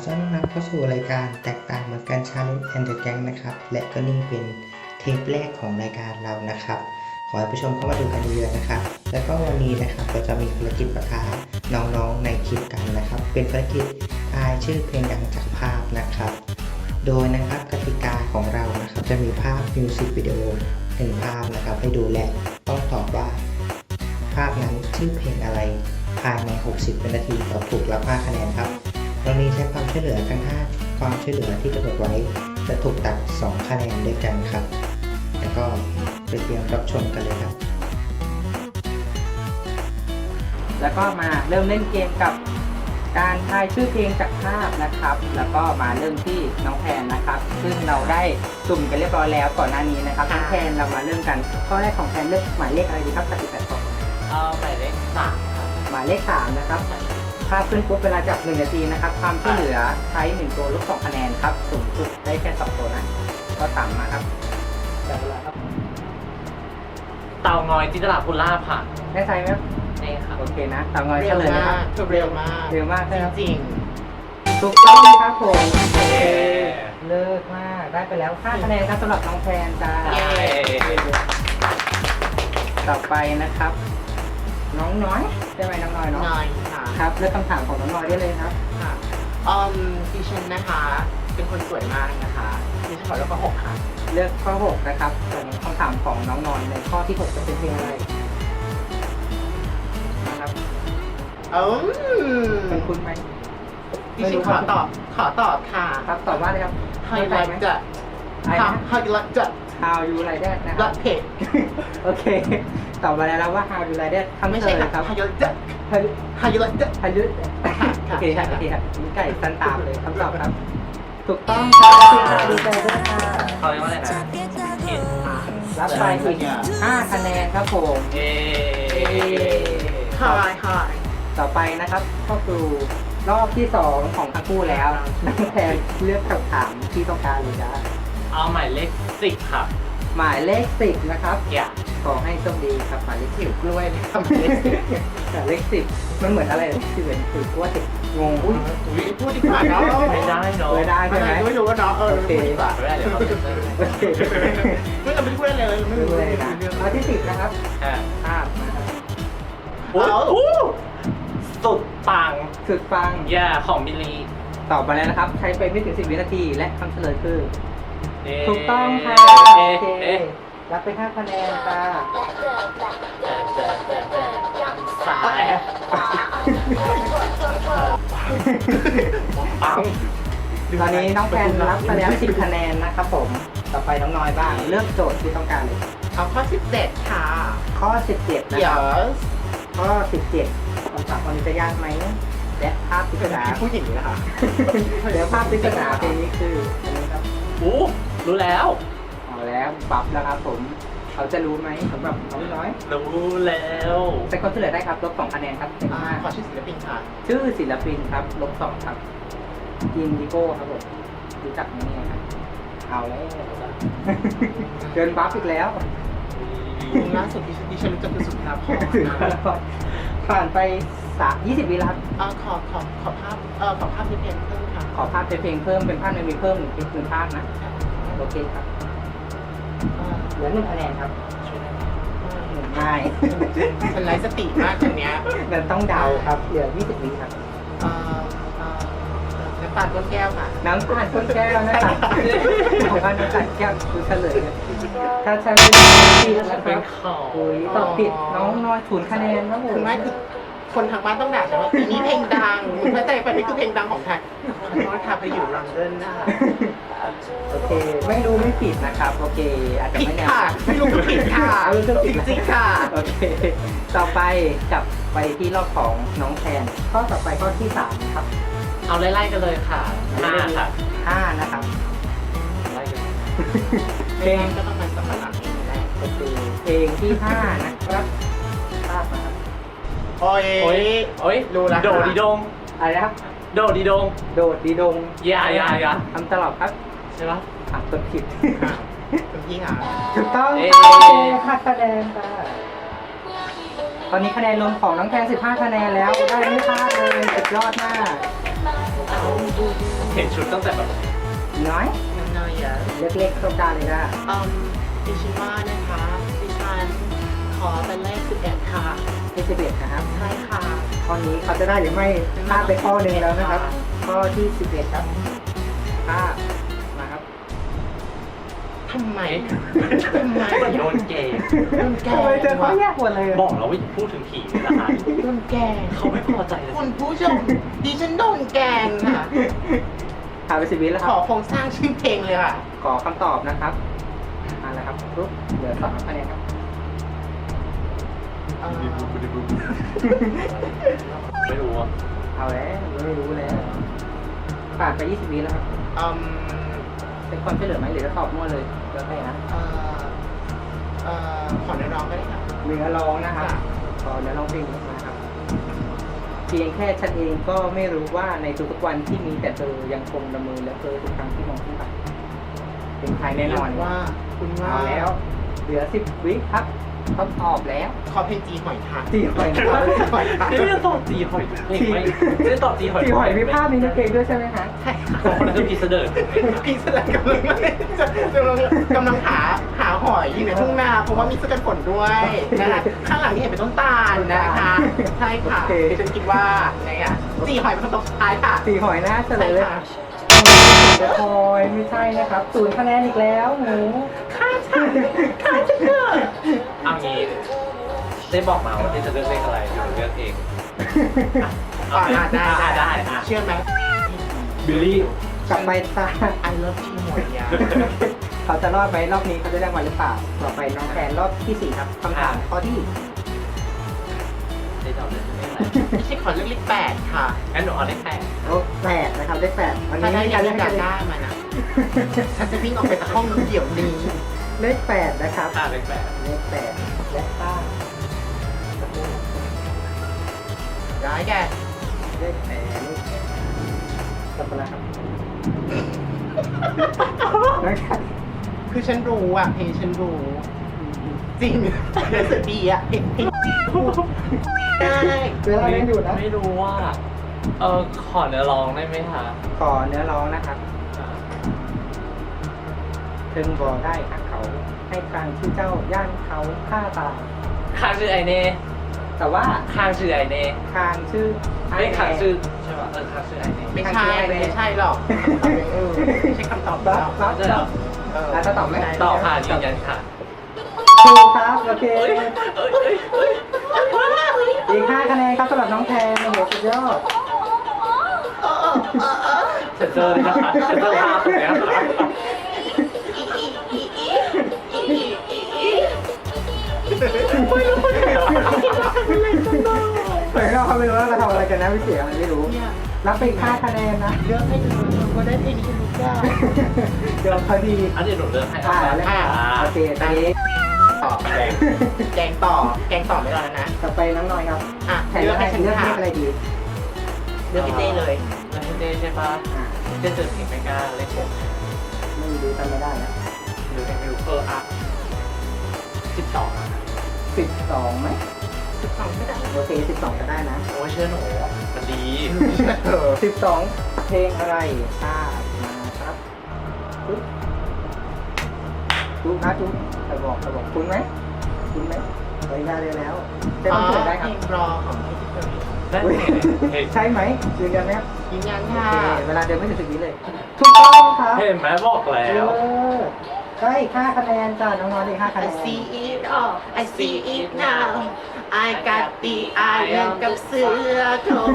ต้อนรับเข้าสู่รายการแตกต่างเหมือนกัน Challenge and the Gang นะครับและก็นี่เป็นเทปแรกของรายการเรานะครับขอให้ผู้ชมเข้ามาดูกันเยอะๆนะครับแล้วก็วันนี้นะครับเราจะมีภารกิจประทะน้องๆในคลิปกันนะครับเป็นภารกิจทายชื่อเพลงดังจากภาพนะครับโดยนะครับกติกาของเรานะครับจะมีภาพมิวสิกวิดีโอ1ภาพนะครับให้ดูและต้องตอบว่าภาพนั้นชื่อเพลงอะไรภายใน60วินาทีตอบถูกรับ5คะแนนครับตรงนี้ใช้ความช่วยเหลือทั้ง5ความช่วยเหลือที่กำหนดไว้จะถูกตัด2คะแนนด้วยกันครับแล้วก็ไปเตรียมรับชมกันเลยครับแล้วก็มาเริ่มเล่นเกมกับการทายชื่อเพลงจากภาพนะครับแล้วก็มาเริ่มที่น้องแพนนะครับซึ่งเราได้สุ่มกันเรียบร้อยแล้วก่อนหน้านี้นะครับน้องแพนเรามาเริ่มกันข้อแรกของแพนเลือกหมายเลขอะไรดีครับจาก18ข้อหมายเลข3ครับหมายเลข3นะครับภาพขึ้นปุ๊บเวลาจับ1นาทีนะครับความช่วยเหลือใช้1ตัวลบ2คะแนนครับสูงสุดได้แค่2ตัวนะก็ต่ำมาครับจับเวลาครับเต่างอยจินตลาภูลาภค่ะแน่ใจไหมครับนี่ครับโอเคนะเต่างอยเฉลยนะครับเร็วมากเร็วมากใช่ไหมจริงถูกต้องครับผมโอเคเลิศมากได้ไปแล้ว5คะแนนครับสำหรับน้องแพนจ้าต่อไปนะครับน้องน้อยใช่ไหมน้องน้อยเนาะน้อยค่ะครับเลือกคำถามของน้องน้อยได้เลยครับค่ะดิฉันนะคะเป็นคนสวยมากนะคะดิฉันขอเลือกข้อ6ค่ะเลือกข้อ6นะครับส่วนคำถามของน้องน้อยในข้อที่6จะเป็นเพลงอะไรนะครับเป็นคุณไหมดิฉันขอตอบค่ะครับตอบว่าอะไรครับ How you like that How you like that How you like that นะครับ like it โอเคตอบมาแล้วว่า How you like that คำเฉลยครับ How you like that How you like that How you โอเคครับโอเคครับมีไก่สั้นตามเลยคำตอบครับถูกต้องครับดีใจด้วยค่ะเขาเรียกว่าอะไรนะรับไปอีก5คะแนนครับผม Hi ต่อไปนะครับก็คือรอบที่2ของทั้งคู่แล้วน้องแพนเลือกคำถามที่ต้องการเลยจ้าเอาหมายเลข10ครับหมายเลข10นะครับขอให้โชคดีครับหมายเลข10กล้วยนะครับหมายเลข10มันเหมือนอะไรที่เหมือนถือกล้วยงงอุ้ยพูดดีกว่าเนาะไม่ได้เนาะไม่ได้ใช่ไหมไม่รู้ว่าเนาะโอเคไม่ได้เดี๋ยวเราจะโอเคไม่เราไม่พูดอะไรเลยไม่รู้เลยนะข้อที่10นะครับภาพนะครับสุดปังของบิลลี่ตอบมาแล้วนะครับใช้ไปไม่ถึง10วินาทีและคำเฉลยคือถูกต้องค่ะโอเครับไป5คะแนนค่ะตอนนี้น้องแพนรับไปแล้ว10คะแนนนะครับผมต่อไปน้องน้อยบ้างเลือกโจทย์ที่ต้องการเลยเอาข้อ17ค่ะข้อ17นะครับข้อ17คำถามวันนี้จะยากไหมและภาพปริศนาผู้หญิงนะคะเดี๋ยวภาพปริศนาเพลงนี้คืออันนี้ครับรู้แล้วแล้วปรับแล้วครับผมเขาจะรู้ไหมสำหรับน้องน้อยรู้แล้วแต่ก็เฉลยได้ครับลบ2คะแนนครับขอชื่อศิลปินค่ะชื่อศิลปินครับลบ2ครับอินดิโก้ครับผมรู้จักไหมเนี่ยครับเอาแล้วเดินบัฟอีกแล้วล่าสุดที่ฉันรู้จักคือสุดท้ายผ่านไป20วิแล้วครับขอภาพในเพลงเพิ่มค่ะขอภาพในเพลงเพิ่มเป็นภาพในมีเพิ่ม1ภาพนะโอเคครับเหลือ1คะแนนครับง่ายฉันไร้สติมากตรงเนี้ยมันต้องเดาครับเหลือ20วิครับน้ำตาลก้นแก้วค่ะน้ำตาลก้นแก้วนะครับของบ้านน้ำตาลแก้วคือเฉลยถ้าใช้ไม่ผิดนะครับตอบผิดน้องน้อย0คะแนนครับผมไม่คือคนทางบ้านต้องด่าฉันว่าปีนี้เพลงดังมึงเข้าใจไปนี่คือเพลงดังของไทยขอโทษค่ะไปอยู่ลอนดอนนะคะโอเคไม่รู้ไม่ผิดนะครับโอเคอาจจะไม่แน่ไม่รู้ผิดค่ะจริงๆค่ะโอเคต่อไปกลับไปที่รอบของน้องแทนข้อต่อไปข้อที่3ครับเอาไล่ๆกันเลยค่ะ5ค่ะ 5นะครับไล่กันเพลงก็ต้องเป็นสัปดาห์นี้แหละโอเคเพลงที่5นะครับภาพนะครับโอ้ยรู้แล้วโดดีดงอะไรนะครับโดดีดงยาคำตอบครับใช่ปะตัวผิดคุณพี่ค่ะถูกต้อง5คะแนนค่ะตอนนี้คะแนนรวมของน้องแทน15คะแนนแล้วได้ไม่พลาดเลยสุดยอดมากเห็นชุดตั้งแต่แบบน้อยน้อยๆอ่ะเล็กๆต้องการเลยนะดิฉันว่านะคะดิฉันขอเป็นเลข11ค่ะที่11นะครับใช่ค่ะข้อนี้เขาจะได้หรือไม่พลาดไปข้อหนึ่งแล้วนะครับ ข้อที่11ครับพลาดมาครับทำไมทำไมมันโดนเกย์โดนแกทำไมเจอข้อล้งยากหมดเลยบอกแล้วว่าอย่าพูดถึงผีเลยนะคะโดนแกล้งเขาไม่พอใจเลยคุณผู้ชมดิฉันโดนแกล้งค่ะผ่านไป10 วิแล้วคขรัอบ โครงสร้างชื่อเพลงเลยค่ะขอคำตอบนะครับมาแล้วครับปุ๊บเหลือ2คะแนนครับไม่รู้อ่ะเอาแล้วไม่รู้แล้วผ่านไป20 วิแล้วครับอืมเป็นความช่วยเหลือไหมหรือจะตอบมั่วเลยแล้วแต่นะขอเนื้อร้องก็ได้ค่ะเนื้อร้องนะครับขอเนื้อร้องเพลงมาครับ เพียงแค่ฉันเองก็ไม่รู้ว่าในทุกๆวันที่มีแต่เธอยังคงละเมอและเธอทุกครั้งที่มองขึ้นไปเป็นใครแน่นอนว่าคุณว่าเอาแล้ว เหลือ10 วิครับต้องตอบแล้วขอเพลงจีหอยทากจีหอยนะครับหอยทากนี่จะตอบจีหอยเพลงไหมจะตอบจีหอยจีหอยมีภาพมีในเพลงด้วยใช่ไหมคะใช่ค่ะคนนั้นคือพีเสดิร์ดพี่แสดงกำลังหาหอยอยู่ในทุ่งนาเพราะว่ามีเสื้อกันฝนด้วยนะคะข้างหลังนี่เห็นเป็นต้นตาลนะคะใช่ค่ะฉันคิดว่าไงอ่ะจีหอยเป็นคำตอบสุดท้ายค่ะจีหอยนะเฉลยเลยค่ะเดี๋ยวคอยไม่ใช่นะครับ0 คะแนนอีกแล้วหนูฆ่าฉันเถอะเอางี้ได้บอกมาว่าที่จะเลือกเลขอะไรอยู่เลือกเองได้เชื่อไหมบิลลี่กลับไปตา I love จีหอยอ่ะเขาจะรอดไหมรอบนี้เขาจะได้มาหรือเปล่าต่อไปน้องแทนรอบที่4ครับคำถามข้อที่ได้ตอบเลขอะไรไม่ใช่ขอเลือกเลข8ค่ะงั้นหนูเอาเลข8 8นะครับเลข8วันถ้านี้ได้มีกาการ รเลืเล่อกนกากันรได้มานะฉันจะวิ่งออกไปจากห้องเดี๋ยวนี้เลข8นะครับเลขเลข8และต้าได้แกเลข8กลับมาแล้วครับนะครับคือฉันรู้อ่ะเพลงฉันรู้จริงรู้สึกดีอ่ะเพลงได้เวลายังอยู่นะไม่รู้ว่า ขอเนื้อร้องได้ไหมคะขอเนื้อร้องนะครับถึงบอกได้หักเขาให้ครั้งที่เจ้าย่านเขาฆ่าตายข้างชื่อไอเน่แต่ว่าข้างชื่อไอเน่คางชื่อไม่ข้างชื่อใช่ป่ะข้างชื่อไอเน่ไม่ใช่ไม่ใช่หรอกไม่ใช่คำตอบรัแล้บวรับใช่เหรอแล้วจะตอบไหมตอบค่ะยืนยันค่ะถูกครับโอเคเอ้ยเอ้ยเอ้ยอีก5 คะแนนครับสำหรับน้องแทนโอ้โหสุดยอดเซ็นเซอร์เลยนะคะเซ็นเซอร์ภาพตรงเนี้ยค่ะเหมือนเราไม่รู้ว่าเราทำอะไรกันนะพี่เสียอะไรไม่รู้เนี่ยรับไปอีก5 คะแนนนะเลือกให้เธอก็ได้เพลงที่ฉันรู้จักเดี๋ยวพอดีอันนี้หนูเลือกให้แล้วโอเคตอนนี้ต่อแกงต่อไม่รอแล้วนะต่อไปน้องน้อยครับอ่ะแทนเลือกให้ฉันเลือกค่ะอะไรดีเลือกพี่เต้เลยแล้วพี่เต้ใช่ปะอ่าเต้เจอเพลงไม่กล้าเลข6 ไม่รู้จำไม่ได้นะหรือเพลงไม่รู้อ่ะ12อ่ะ 12ไหม 12ก็ได้โอเค12ก็ได้นะโอ้ยเชื่อหนูมันดี 12 เพลงอะไรทราบมาครับจุ๊บจุ๊บนะจุ๊บจะบอกคุณไหมคุณไหมไปได้เลยแล้วเต้นเปิดได้ครับเพลงรอของพี่ทิพย์ได้อุ๊ยเพลงใช่ไหมยืนยันไหมครับยืนยันโอค่ะเคเวลาเดินไม่ถึง10 วิเลยถูกต้องครับเห็นไหมบอกแล้วได้อีก5 คะแนนจ้าน้องๆอีก5 คะแน I น see it all I see it now I got the iron กับเสื้อโครง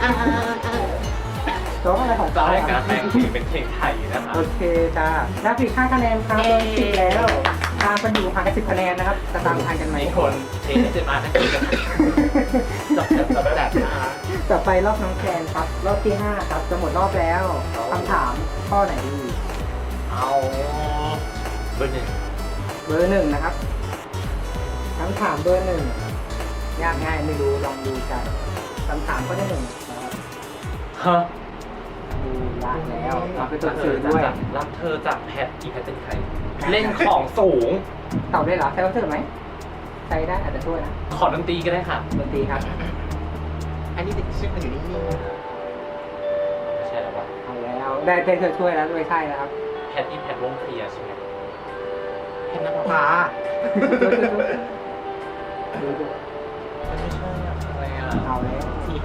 ร้องอะไรของจะเราให้การอ่ะแปลงเพลงเป็นเพลงไทยนะคะโอเคจ้าได้อีก5 คะแนนครับโดน10แล้วตามกันอยู่ห่างกัน10 คะแนนนะครับจะตามทันกันไหมมีคนเทสเจมาทั้งทีกันจับแบบมาต่อไปรอบน้องแคนครับรอบที่5ครับจะหมดรอบแล้วคำถามข้อไหนดีเอาเบอร์ 1 เบอร์ 1นะครับคำถามเบอร์ 1ยากง่ายไม่รู้ลองดูกันคำถามข้อที่1นะครับฮะดูยากแล้วเอาไปตัวสื่อด้วยรับเธอจากแพทอีแพทเป็นใครเล่นของสูงตอบได้เหรอใช้คำสื่อไหมใช้ได้อาจจะช่วยนะขอดนตรีก็ได้ค่ะดนตรีครับอันนี้เด็กชื่อมันอยู่นิ่งไม่ใช่หรอวะได้เธอช่วยแล้วไม่ใช่แล้วครับแพทนี่แพทวงเคลียร์ใช่ไหมเห็นนภาดูดูไม่ใช่อะไรอ่ะเอาแล้วที่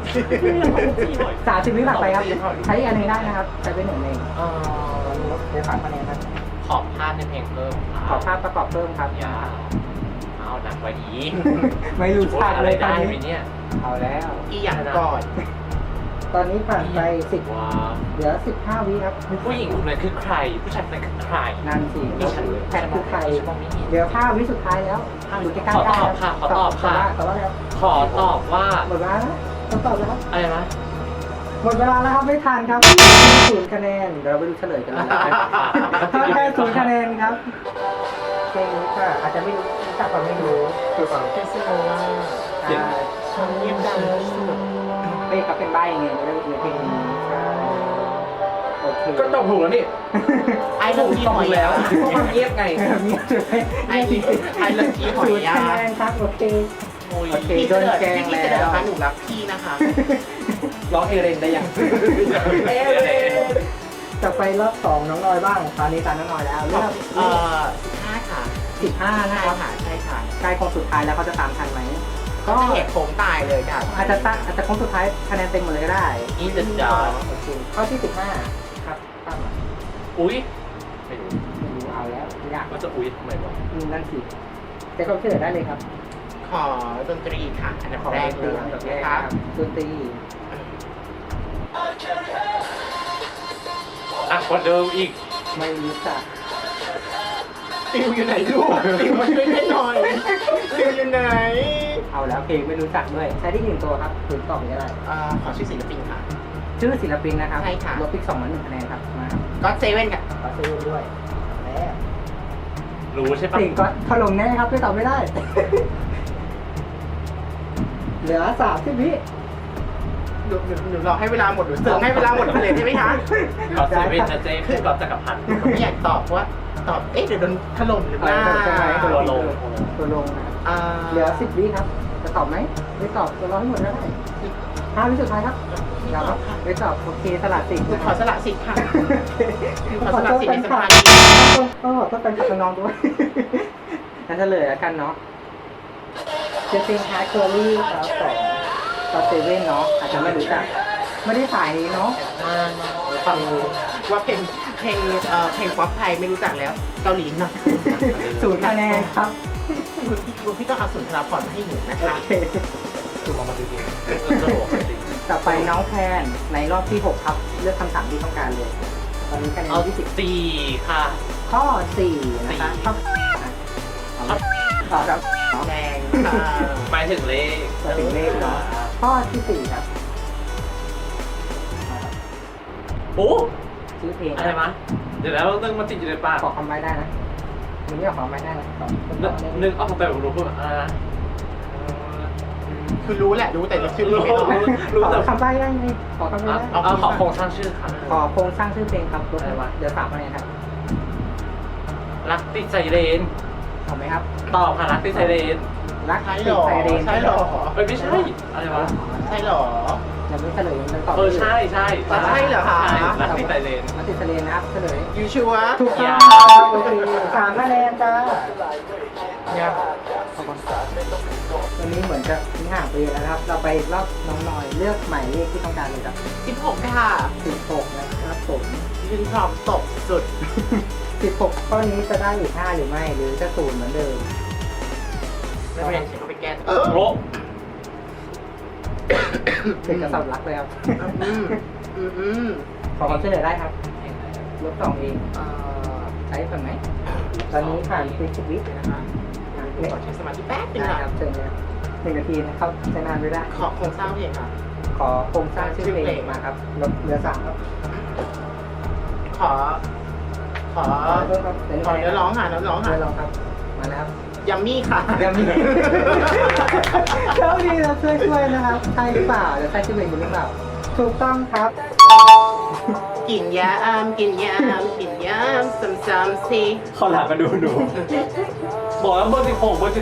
30 วิผ่านไปครับ ใช้อันหนึงได้นะครับ ใช้เป็นหนึ่งเองเออเดี๋ยว3คะแนนครับขอบภาพในเพลงเพิ่มขอภาพประกอบเพิ่มครับอย่าเอาหนักกว่านี้ไม่รู้ฉากเลยตอนได้ไหมนี้เนี่ยเอาแล้วอีอย่างก่อนตอนนี้ผ่านไป10 ว้าเหลือ15 วิครับผู้หญิงคนนั้นคือใคร ผู้ชายคนนั้นคือใครนั่นสิดิฉันแพทคือใครฉันมองไม่เห็นเดี๋ยว5 วิสุดท้ายแล้วอยู่ใกล้ๆได้ขอตอบค่ะขอตอบค่ะตอบว่าแล้วขอตอบว่าหมดเวลาแล้วต้องตอบแล้วครับอะไรนะหมดเวลาแล้วครับไม่ทันครับ0 คะแนนเดี๋ยวเราไปดูเฉลยกันเลยนะครับแค่0 คะแนนครับเพลงนี้ค่ะอาจจะไม่รู้จักก่อนไม่รู้คือเปล่าแคสซิโนว่าใช่ฉันเงียบดังที่สุดเป้ก็เป็นใบ้ไงในเพลงนี้ใช่โอเคก็ตอบถูกแล้วนี่ไอ้เรื่องที่หอยแล้วพวกมันเงียบไงเงียบเลยไอ้เรื่องที่หอย 0 ยาคะแนนครับโอเคโอ้ยโอเคพี่โดนแกล้งพี่แล้วเสนอค่ะหนูรักพี่นะคะร้องเอเรนได้ยังจะไปรอบ2น้องนอยบ้างตอนนี้ตามน้องนอยแล้วเลือก 15ค่ะ 15 นะใช่ครับค่ะใช่ค่ะใกล้โค้งสุดท้ายแล้วเขาจะตามทันไหมก็เหตุโค้งตายเลยค่ะอาจจะโค้งสุดท้ายคะแนนเต็มหมดเลยก็ได้นี่จะจอดโอเคข้อที่15ครับตั้งมาอุ้ยไม่รู้ไม่รู้เอาแล้วยากว่าจะอุ้ยทำไมวะนั่นสิจะก็เฉลยได้เลยครับขอดนตรีค่ะอันดับขอแรกดนตเลรียอันดับแรกนะคคะรับดนตรีอ่ะกว่าเดิมอีกไม่รู้จักติวอยู่ไหนลูกติวมาช่วยเล่นหน่อยติวอยู่ไหนเอาแล้วเพลงไม่รู้จักด้วยใช้ได้1 ตัวครับถึงตอบไม่ได้ขอชื่อศิลปินค่ะชื่อศิลปินนะครับใช่ค่ะลบอีก2 1 คะแนนครับมาครับก็เซเว่นค่ะขอซื้อด้วยแล้วรู้ใช่ปะสิ่งก็ถล่มแน่ครับไม่ตอบไม่ได้ เหลือ30 วิหนูรอให้เวลาหมดหนูเสริมให้เวลาหมดไปเลยใช่ไหมคะกอล์ฟเซเว่นนะเจ๊คือกอล์ฟจักรพันธ์ผมไม่อยากตอบเพราะว่าตอบเอ๊ะเดี๋ยวโดนถล่มหรือเปล่าตัวลงตัวลงนะครับอ่าเหลือ10 วิครับ จะตอบไหมไม่ตอบจะรอให้หมดก็ได้5 วิสุดท้ายครับเราไม่ตอบโอเคสลัดสิ่งหนูขอสละสิทธิ์ค่ะขอโทษแฟนคลับก็ขอโทษแฟนคลับน้องๆด้วย นั่นเฉลยแล้วกันเนาะเจสซิงฮาร์ดเคอรี่ครับของเซเว่นเนาะอาจจะไม่รู้จักไม่ได้สายนี้เนาะฟังว่าเพลงป๊อปไทยไม่รู้จักแล้วเกาหลีนะ 0 คะแนนครับพี่ต้องเอาสุนทรภพมาให้หนูนะโอคะเคถูกมาจริงๆจะบอกจริงต่อไปน้องแพนในรอบที่ 6 ครับ เลือกคำถามที่ต้องการเลย ตอนนี้คะแนนเอาที่สี่ค่ะ 10ข้อ 4 นะคะข้อครับแดงค่ะหมายถึงเลขถึงเลขเนาะข้อที่ 4 ครับโอ้ชื่อเพลงอะไรมะเดี๋ยวแล้วนึงมันติดอยู่ในปากขอคำใบ้ได้นะมึงไม่ออกคำใบ้ได้นะตอบนึกออกแต่รู้พูดอะไรนะคือรู้แหละรู้แต่เราชื่อไม่ออกรู้ขอแต่คำใบ้ได้ไงขอคำใบ้ได้เอาขอโครงสร้างชื่อค่ะขอโครงสร้างชื่อเพลงครับรถอะไรวะเดี๋ยว3 คะแนนครับรักติดไซเรนถูกไหมครับตอบค่ะรักติดไซเรนรักใช่ติหรดอไซเรนใช่หรอไม่ใช่อะไรวะใช่หรอยังไม่เฉลยยังตอบใช่ใช่ใช่เหรอคะรักติดไซเรนมาติดไซเรนนะครับเฉลยยูชัวร์ถูกต้องโอเค3 คะแนนจ้าเนี่ยวันนี้เหมือนจะทิ้งห่างไปเยอะแล้วนะครับ เราไปรอบน้องหน่อยเลือกหมายเลขที่ต้องการเลยครับ 16ค่ะ 16นะครับผมยืนพร้อมตกสุด 16ข้อนี้จะได้อีก5หรือไม่หรือจะ0เหมือนเดิมไม่เป็นไรฉันก็ไปแก้โรเป็นกระสับรักเลยครับ ขอความช่วยเหลือได้ครับลบ2เองใช้ก่อนไหมตอนนี้ผ่านไป10 วินะคะขอใช้สมาธิแป๊บนึงได้นะครับเชิญเลย1 นาทีนะครับใช้นานไม่ได้ขอโครงสร้างเพลงค่ะขอโครงสร้างชื่อเพลงมาครับลบเหลือ3ครับขอเริ่มครับขอเนื้อร้องค่ะเนื้อร้องค่ะเนื้อร้องครับมาแล้วครับยัมมี่ค่ะยังมีเจ้าดีเราช่วยนะครับ ใช่หรือเปล่าจะใช่ชื่อเพลงหรือเปล่า ถูกต้องครับกินยามกินยามกินยามซ้ำๆสิขอหลังมาดูบอกแล้วเบอร์16เบอร์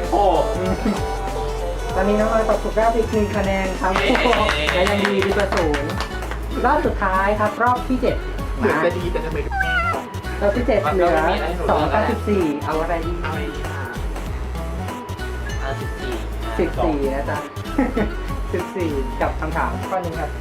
16 ตอนนี้น้องออยตอบถูกแล้วอีก1 คะแนนครับและยังดีกว่า0รอบสุดท้ายครับ รอบที่ 7 เหมือนจะดีแต่ทำไมเราพิเศษเหลือ294เอาอะไรดีเอาอะไรดีคะ 14 14นะจ๊ะ 14กับคำถามข้อนี้ครับ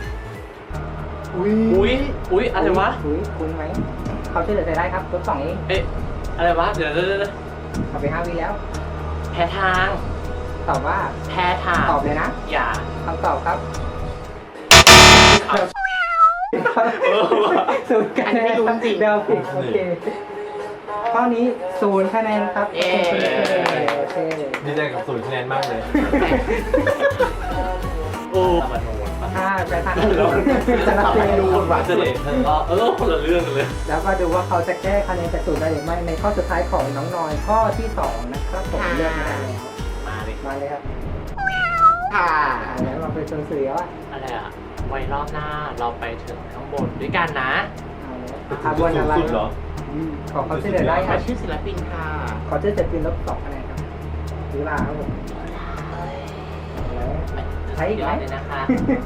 อุ้ยอะไรวะอุ้ยคุ้นไหมเขาช่วยเหลือใจได้ครับลด2เองเอ๊ะอะไรวะเดี๋ยวเอาไป5วิแล้วแพ้ทางตอบว่าแพ้ทางตอบเลยนะอย่าคำตอบครับเออว่ะศูนย์คะแนนครับเดาผิดโอเคข้อนี้0คะแนนครับโอเคดีใจกับ0 คะแนนมากเลยโอ้ตะบันโนนปะถ้าไปทางอื่นจะนับเป็นดูคนว่าเสด็จคนละเรื่องกันเลยแล้วมาดูว่าเขาจะแก้คะแนนจาก0ได้หรือไม่ในข้อสุดท้ายของน้องนอยข้อที่2นะครับผมเลือกมาแล้วมาเลยมาเลยครับค่ะแล้วเราไปชนเสือว่าอะไรอะไว้รอบหน้าเราไปถึงข้างบนด้วยกันนะเอาแล้วขบวนอะไรสุดเหรอขอเขาช่วยเหลือได้คขอรับชื่อศิลปินค่ะขอช่วยเหลือเป็นลบ2คะแนนครับหรือลาครับผมใช้อีกไหมเลยนะคะ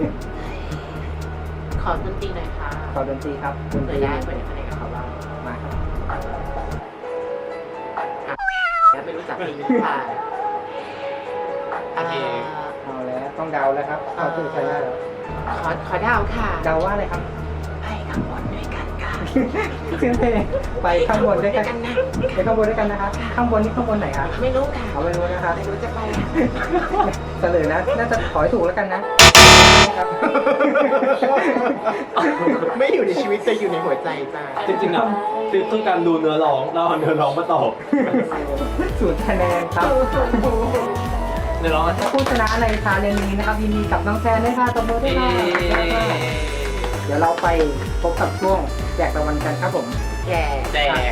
ขอดนตรีหน่อยค่ะขอดนตรีครับดนตเผื่รีอได้เผื่อได้คะแนนกับเขาบ้างมาครับแล้วไม่รู้จักเพลงนี้ค่ะโอเคเอาแล้วต้องเดาแล้วครับเข้าตู้ใช้ได้แล้วขอดาวค่ะเดาว่าอะไรครับไปข้างบนด้วยกันค่ะชื่อเพลงไปข้างบนด้วยกันนะไปข้างบนด้วยกันนะครับข้างบนนี่ข้างบนไหนครับไม่รู้ค่ะเอาไปรู้นะครับไม่รู้จะไปเฉลยนะน่าจะขอให้ถูกแล้วกันนะ ครับไม่อยู่ในชีวิตจะอยู่ในหัวใจจ้าจริงๆอ่ะคือการดูเนื้อร้องเราเอาเนื้อร้องมาตอบ 0 คะแนนครับเดี๋ยวร้องกันและผู้ชนะในชาเลนจ์นี้นะครับยินดีกับน้องแซนด้วยค่ะตบมือด้วยค่ะเดี๋ยวเราไปพบกับช่วงแจกรางวัลกันครับผมแกแจก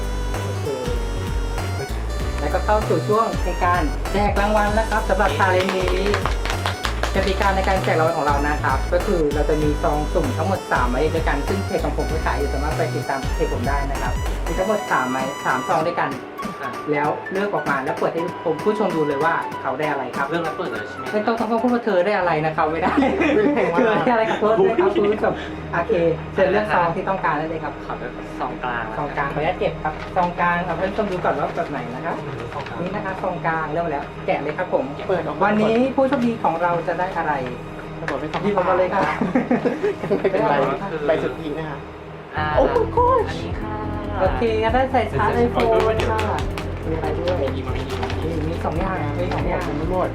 แล้วก็เข้าสู่ช่วงในการแจกรางวัลแล้วครับสำหรับชาเลนจ์นี้กติกาในการแจกรางวัลของเรานะครับ ก็คือเราจะมีซองสุ่มทั้งหมด3ใบด้วยกันซึ่งเพจของผมก็ขายอยู่สามารถไปติดตามเพจผมได้นะครับมีทั้งหมด3ใบ3ซองด้วยกัน แล้วเลือกออกมาแล้วเปิดให้ผมผู้ชมดูเลยว่าเขาได้อะไรครับเรื่องนั้นเปิดเลยใช่ไหมไม่ต้องพูดว่าเธอได้อะไรนะครับไม่ได้เธอได้อะไรกับโทษด้วยครับคุณผู้ชมโอเคเชิญเลือกซองที่ต้องการได้เลยครับขอเป็นสองกลางซองกลางขออนุญาตเก็บครับซองกลางเอาเพื่อนชมดูก่อนว่าแบบไหนนะครับนี่นะครับซองกลางเริ่มมาแล้วแกะเลยครับผมเปิดออกมาวันนี้ผู้โชคดีของเราจะได้อะไรระบบไม่ต้องหยิบออกมาเลยครับไม่เป็นไรใบสุดทีนะคะโอ้ my gosh อันนี้ค่ะโอเคงั้นได้ใส่ชาร์จไอโฟนค่ะมีอะไรด้วยมีมามีมี2อย่างมี2อย่างไม่หมด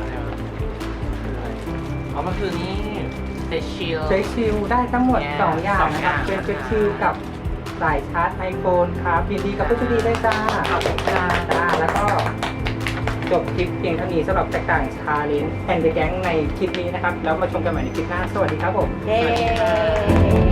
อ๋อมันคือนี่เซชิลเฟซชิลได้ทั้งหมด Yeah 2 อย่างนะครับ 2 เป็นเฟซชิลกับสายชาร์จไอโฟนครับยินดีกับผู้โชคดีด้วยจ้าขอบคุณค่ะจ้าแล้วก็จบคลิปเพียงเท่านี้สำหรับแตกต่างชาเลนจ์แอนด์แก๊งในคลิปนี้นะครับ แล้วมาชมกันใหม่ในคลิปหน้า สวัสดีครับผมเย้